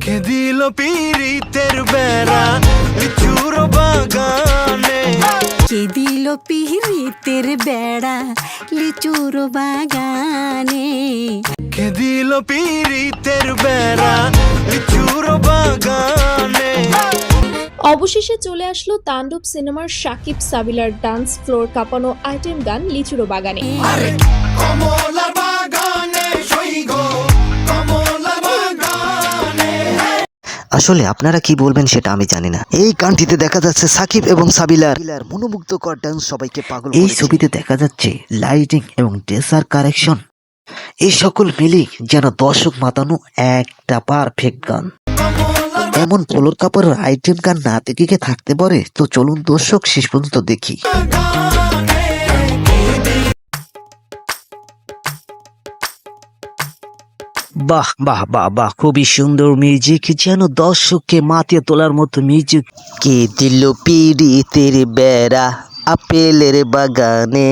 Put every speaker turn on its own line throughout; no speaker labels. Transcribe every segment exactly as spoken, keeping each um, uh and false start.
কে দিল পিরিতের বেড়া লিচুর বাগানে,
কে দিল পিরিতের বেড়া লিচুর বাগানে,
কে দিল পিরিতের বেড়া লিচুর বাগানে।
অবশেষে চলে আসলো তাণ্ডব সিনেমার সাকিব সাবিলার ডান্স ফ্লোর কাঁপানো আইটেম গান লিচুরো বাগানে।
আরে কমলার বাগানে সইগ কমলার বাগানে।
আসলে আপনারা কি বলবেন সেটা আমি জানি না। এই গানটিতে দেখা যাচ্ছে সাকিব এবং সাবিলার মনোমুগ্ধকর ডান্স সবাইকে পাগল। এই ছবিতে দেখা যাচ্ছে লাইটিং এবং ড্রেসার কারেকশন, এই সকল মিলি যেন দর্শক মাতানো একটা পারফেক্ট গান। এমন ফ্লোর কাপড়ের আইটেম গান না দেখে কি থাকতে পারে? তো চলুন দর্শক শেষ পর্যন্ত দেখি। বাহ বাহ বাহ বাহ, খুবই সুন্দর মিউজিক, যেন দর্শককে মাতিয়ে তোলার মতো মিউজিক। কে দিল পিরিতের বেড়া আপেলের বাগানে,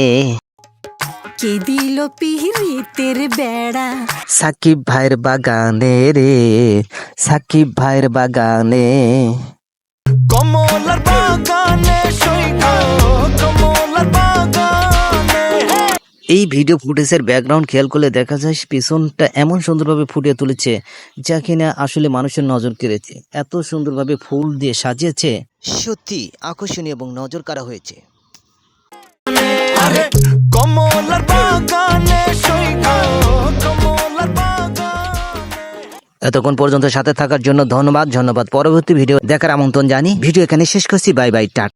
কে দিল পিরিতের বেড়া
সাকিব ভাইয়ের বাগানে রে, সাকিব ভাইয়ের বাগানে।
কমলার বাগানে সইগ কমলার বাগানে।
এই ভিডিও ফুটেজের ব্যাকগ্রাউন্ড খেয়াল করলে দেখা যায় পিছনটা এমন সুন্দরভাবে ফুটিয়ে তুলেছে যা কিনা আসলে মানুষের নজর কেড়েছে। এত সুন্দরভাবে ফুল দিয়ে সাজিয়েছে, সত্যি আকর্ষণীয় এবং নজর কাড়া হয়েছে।
আরে কমলার বাগানে সইগ কমলার বাগানে।
এতক্ষণ পর্যন্ত সাথে থাকার জন্য ধন্যবাদ ধন্যবাদ। পরবর্তী ভিডিও দেখার আমন্ত্রণ জানি। ভিডিও এখানে শেষ করছি। Bye bye, tata.